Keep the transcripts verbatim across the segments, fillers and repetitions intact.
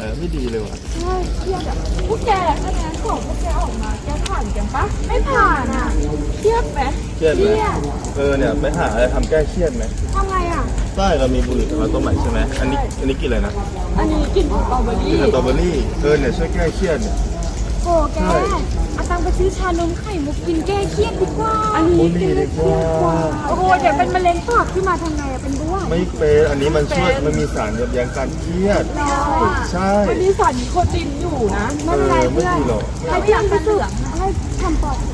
อะไรไม่ดีเลยว่ะใช่เครียดอ่ะพวกแกคะแนนของพวกแกออกมาแกผ่านกันปะไม่ผ่านอ่ะเครียดไหมเครียดไหมเออเนี่ยไปหาอะไรทำแก้เครียดไหมทำไงอ่ะใช่เรามีบุหรี่มาต้มใหม่ใช่ไหมอันนี้อันนี้กินอะไรนะอันนี้กินสตรอเบอรี่กินสตรอเบอรี่เออเนี่ยช่วยแก้เครียดเนี่ยโอ้แกเอาตังไปซื้อชานมไข่มุกกินแก้เครียดดีกว่าอันนี้กินดีกว่าโอ้โหเดี๋ยวเป็นมะเร็งปากขึ้นมาทำไงอะเป็นบ้วงไม่เป็นอันนี้มันช่วยมันมีสารยับยั้งการเครียดใช่มันมีสารนิโคตินอยู่นะไม่เป็นไรเพื่อนให้เพื่อนไปซื้อให้ทำปอด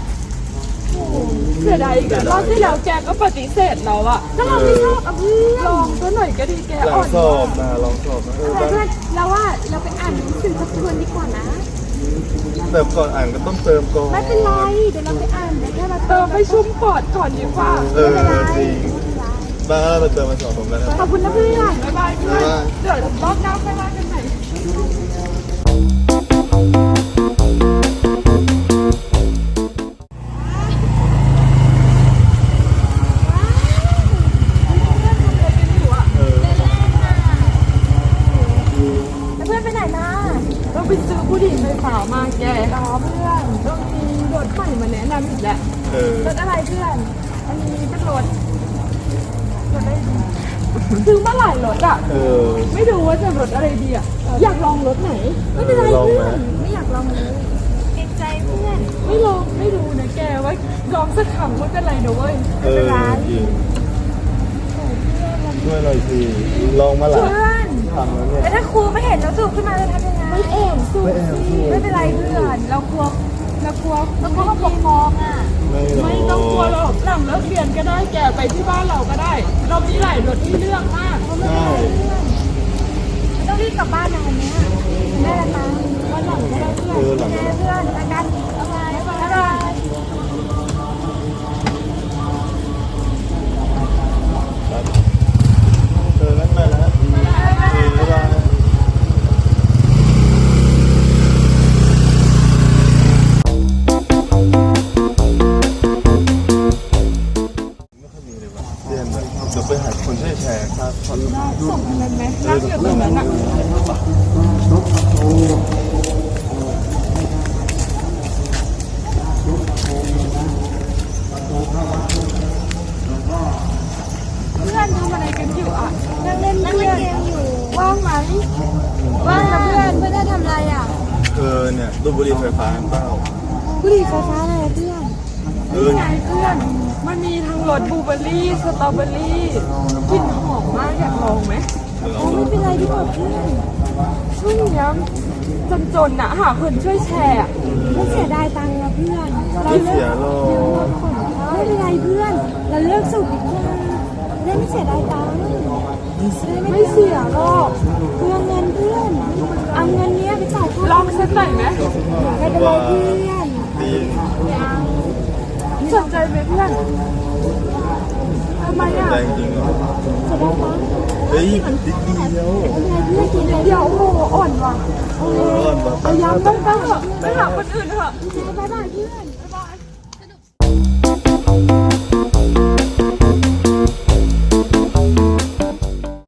เสียดายอีกรอบที่แล้วแกก็ปฏิเสธเราอะถ้าเราไม่ชอบอะเพื่อนลองตัวหน่อยก็ดีแกอ่อนสอบนะลองสอบนะเออเพื่อนเราว่าเราไปอ่านหนังสือทบทวนดีกว่านะเติมก่อนอ่านก็ต้องเติมก่อนไม่เป็นไรเดี๋ยวเราไปอ่านเดี๋ยวเราเติมไปชุ่มปอดก่อนดีกว่าเออจริงบ้าเราเติมมาสองผมแล้วนะขอบคุณนะเพื่อนบ๊ายบายเพื่อนเดี๋ยวรอบหน้าไปว่ากันใหม่ไปซื้อผู้หญิงไฟฟ้ามาแกรอเพื่อนต้องมีรถใหม่มาแนะนำอีกแล้วรถอะไรเพื่อนอันนี้เป็นรถรถอะไรดีซื้อมาหลายรถอ่ะไม่รู้ว่าจะรถอะไรดีอ่ะอยากลองรถไหนไม่เป็นไรเพื่อนไม่อยากลองเลยเกรงใจเพื่อนไม่ลองไม่รู้นะแกว่าลองสักคำไม่เป็นไรนะเว้ยไม่เป็นไรช่วยหน่อยสิลองมาหลายทำแล้วเนี่ยแต่ถ้าครูไม่เห็นแล้วสูบขึ้นมาจะทำยังไงไม่เอ็มสูบไม่เป็นไรเพื่อนเรากลัวเรากลัวเรากลัวปกครองอ่ะไม่ต้องกลัวหรอกหลังเลิกเรียนก็ได้แกไปที่บ้านเราก็ได้เรามีหลายรถที่เลือกมากเพราะไม่เป็นไรเพื่อนไม่ต้องรีบกลับบ้านนะวันนี้แม่ละตังวันหลังก็ได้เพื่อนเพื่อนอาการอะไรอะไรเออนั่นไปแล้วเดี๋ยวไปหาคนช่วยแชร์ครับได้ส่งอะไรไหมนั่งอยู่ตรงนั้นอ่ะเพื่อนทำอะไรกันอยู่อ่ะนั่งเล่นนั่งเล่นเกมอยู่ว่างไหมว่างนะเพื่อนเพื่อนได้ทำอะไรอ่ะเออเนี่ยดูบุหรี่ไฟฟ้าเปล่าบุหรี่ไฟฟ้าอะไรเพื่อนเออไงเพื่อนมันมีทั้งรสบลูเบอร์รี่สตรอเบอร์รี่กลิ่นหอมมากอยากลองไหมไม่เป็นไรดีกว่าเพื่อนช่วงนี้จนๆนะหาคนช่วยแชร์ไม่เสียดายตังค์นะเพื่อนไม่เสียหรอกไม่เป็นไรเพื่อนเราเลิกสูบดีกว่าได้ไม่เสียดายตังค์ไม่เสียหรอกเพื่อนเงินเพื่อนเอาเงินนี้ไปจ่ายค่าลองสักหน่อยไหมไม่เป็นไรเพื่อนสนใจไหมเพื่อนทำไมอ่ะแรงจริงเหรอจะได้ปะเฮ้ยนิดเดียวเพื่อนกินเดียวโอ้โหอ่อนว่ะอ่อนว่ะพยายามต้องไปเถอะไปหาคนอื่นเถอะบ๊ายบายเพื่อน